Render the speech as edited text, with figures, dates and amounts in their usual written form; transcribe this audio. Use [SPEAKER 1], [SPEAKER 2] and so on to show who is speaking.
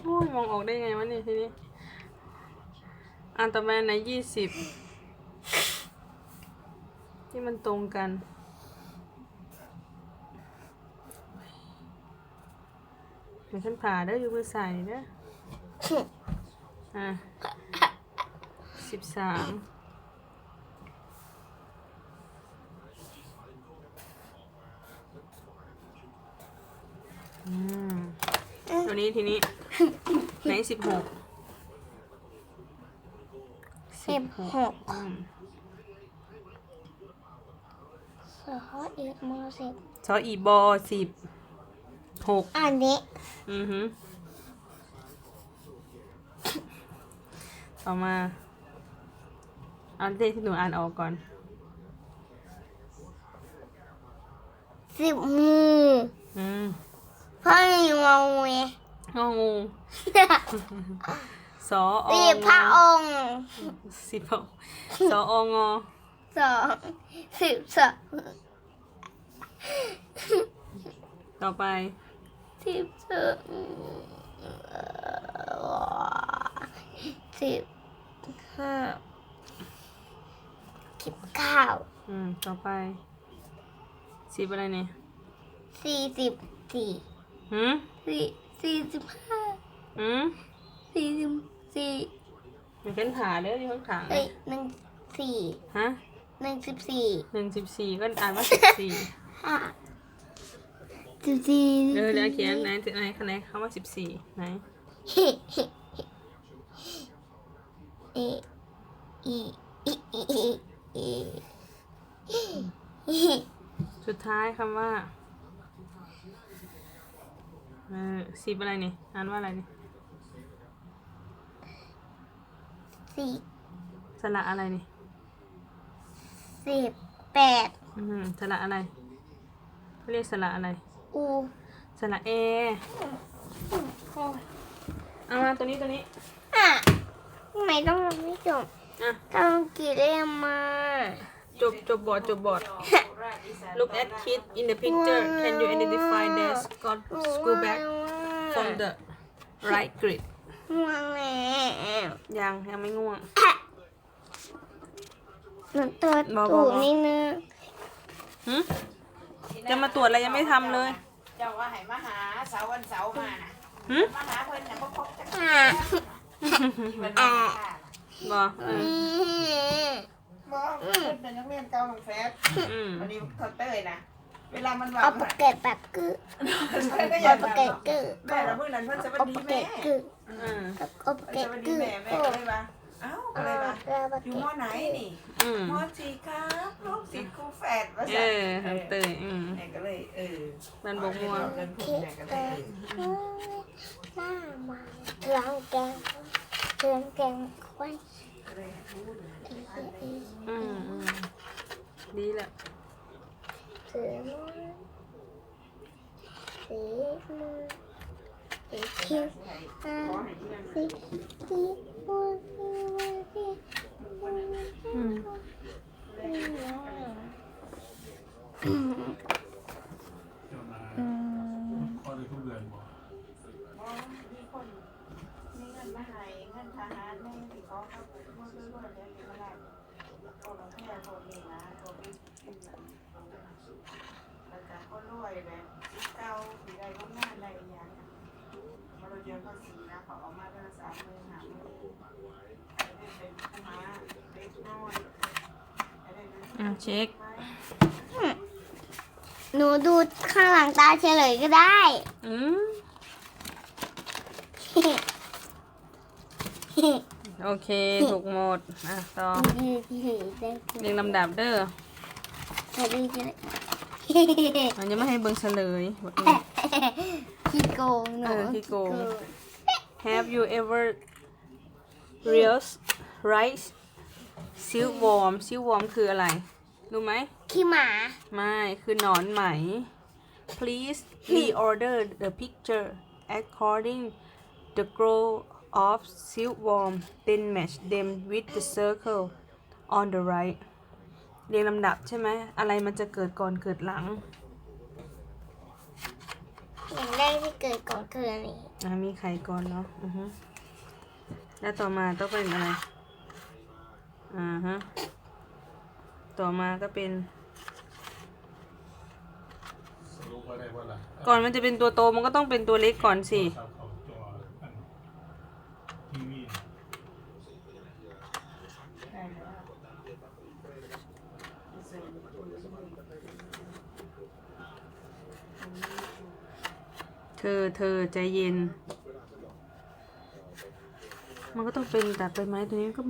[SPEAKER 1] โอ้ยมองออกได้ไงวะเนี่ยทีนี้อันต่อมาใน20ที่มันตรงกันเดี๋ยวฉันผ่าเด้ออยู่มือใส่เด้อ13ตัวนี้ทีนี้ไหน16
[SPEAKER 2] 16สออีกม10
[SPEAKER 1] ซออีบอ16
[SPEAKER 2] อันนี้
[SPEAKER 1] ต่อมาเอาเลขที่หนูอ่านออกก่อน
[SPEAKER 2] 10 มือพ่อมีงงไหม
[SPEAKER 1] งองูสออ
[SPEAKER 2] 10 พระองค์
[SPEAKER 1] 10สอองอ
[SPEAKER 2] 12
[SPEAKER 1] ต่อไป
[SPEAKER 2] 15
[SPEAKER 1] ต่อไป10อะไรเนี่ย
[SPEAKER 2] 44
[SPEAKER 1] เดี๋ยวเป็นผ่าเด้อที่ข้างขา
[SPEAKER 2] 14
[SPEAKER 1] ฮะ14ก็อ่านว่า14เดี๋ยวเขียนไหนคำว่า14ไหนสุดท้ายคำว่า10อะไรนี่อ่านว่าอะไรนี่สระอะไรนี่
[SPEAKER 2] 18
[SPEAKER 1] สระอะไรเขาเรียกสระอะไรสระเอเอามาตัวนี้
[SPEAKER 2] ทำไมต้องไม่จบต้องกี่เล่มมา
[SPEAKER 1] จบบอดLook at kids in the picture. Can you identify their school bag from the right grid?
[SPEAKER 2] ง่วงแล้ว
[SPEAKER 1] ยังไม่ง่วง
[SPEAKER 2] หนูตัวตูดนี่นะ
[SPEAKER 1] จะมาตรวจอะไรยังไม่ทำเลย
[SPEAKER 3] เจ้าว่าให้มาหาเสาร์วันเสาร์มาน่ะมาหาเพิ่นน่ะบ่พบจัก
[SPEAKER 1] บอก
[SPEAKER 3] เพิ่นเป็นนักเรียนเก่าของแฟดวันนี้เขาเต้ยนะเวลามันว่า
[SPEAKER 2] เอาปากเกตปากกึเอาปากเกตกึ
[SPEAKER 3] แม่ละมื้อนั้นเพิ่นสวัสดีแม่
[SPEAKER 2] เอาปากเกตกึ
[SPEAKER 3] แม่ก็เลยว่าเอ้าก็เลยว่าอยู่ม.ไหนนี่ม.4ครับลูกศิษย์ครูแฝดว่าซั่น
[SPEAKER 1] เตย
[SPEAKER 3] แม่ก็เลย
[SPEAKER 1] มันบ่ม่วง
[SPEAKER 3] แม่ก็เลย
[SPEAKER 2] หน้ามาล้างแกงไว้
[SPEAKER 1] ดีแหละ
[SPEAKER 2] สีมือเขียวสี
[SPEAKER 3] มีเงินมาให้เงินทหารแม่ที่เขาครับบ่ซื้อบ่ได้สิมาได้โอ้เราแค่คนนี้นะตัวพี่แล้วก็คนรวยแบบเก่าสิได้ทำงานได้อีหยังมาเราเรียนภาษีนะเขาเอามาเดือนละ30,000 50,000เป็นผู้มาเด็กน้อย
[SPEAKER 1] เช็ค
[SPEAKER 2] หนูดูข้างหลังตาเฉลยก็ได้
[SPEAKER 1] โอเคถูกหมดต่อเรียงลำดับเด้อมันจะไม่ให้เบิ่งเฉลย
[SPEAKER 2] ขี้โกงหนู
[SPEAKER 1] ขี้โกง Have you ever realized rice silkworm คืออะไรรู้ไหม
[SPEAKER 2] ขี้หมา
[SPEAKER 1] ไม่คือหนอนไหม Please reorder the picture according the growth of silkworm then match them with the circle on the right เรียงลำดับใช่ไหมอะไรมันจะเกิดก่อนเกิดหลัง
[SPEAKER 2] อย่างแรกที่เกิดก่อนคืออันนี้
[SPEAKER 1] มีไข่ก่อนเนาะแล้วต่อมาต้องเป็นอะไรต่อมาก็เป็น
[SPEAKER 4] สรุปว่าได้ว่าอะไร
[SPEAKER 1] ก่อนมันจะเป็นตัวโตมันก็ต้องเป็นตัวเล็กก่อนสิ
[SPEAKER 4] เขาจออันทีวี
[SPEAKER 3] ได้แล้ว
[SPEAKER 1] เธอใจเย็น มันก็ต้องเป็นตัดใบไม้ตัวนี้ก็